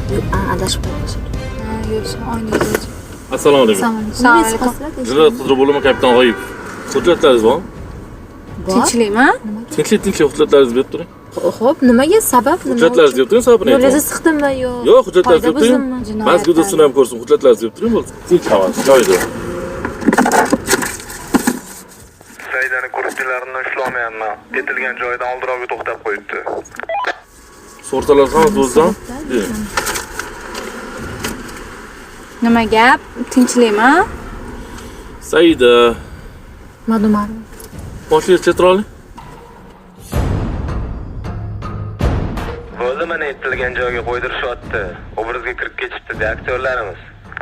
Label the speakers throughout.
Speaker 1: Yo'q, adashib qoldim.
Speaker 2: Yo'q, oynangiz.
Speaker 3: Assalomu alaykum.
Speaker 2: Assalomu alaykum.
Speaker 3: Jinoyat qidiruv bo'limi kapitan G'oyib. Hujjatlaringiz bormi?
Speaker 2: Tinchlikmi?
Speaker 3: Tinchlik hujjatlaringizni berib turing.
Speaker 1: Xo'p, nimaga sabab?
Speaker 3: Hujjatlaringizni berib turing, sababini ayting.
Speaker 1: Yo'lingizni siqdimmi yo?
Speaker 3: Yo'q, hujjatlaringizni berib turing. Mazgudasini ham ko'rsin, hujjatlaringizni berib turing bo'lsa. Tinch havas, joyida.
Speaker 4: Saidani kursilarini ushlamayapman. Ketilgan joyidan oldirovga to'xtab qo'yibdi.
Speaker 3: Sortalar hammasi o'zidan.
Speaker 2: Nima gap? Tinchlikmi?
Speaker 3: Saida,
Speaker 1: Madumar.
Speaker 3: boshliq chetroling.
Speaker 4: Bo'ldi, mana aytilgan joyga qo'ydirishyapti. Obrazga kirib ketishdi aktyorlarimiz.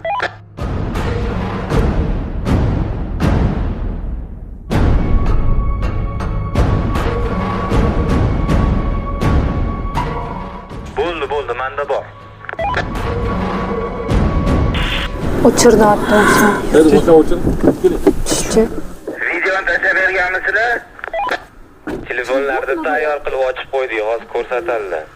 Speaker 4: Bo'ldi, menda bor.
Speaker 2: O'chirdi otdan.
Speaker 3: Hadi o'chir. Keling.
Speaker 4: Videoni tashlab berganmisizlar? Telefonlarni tayyor qilib ochib qo'ydik, hozir ko'rsatildi.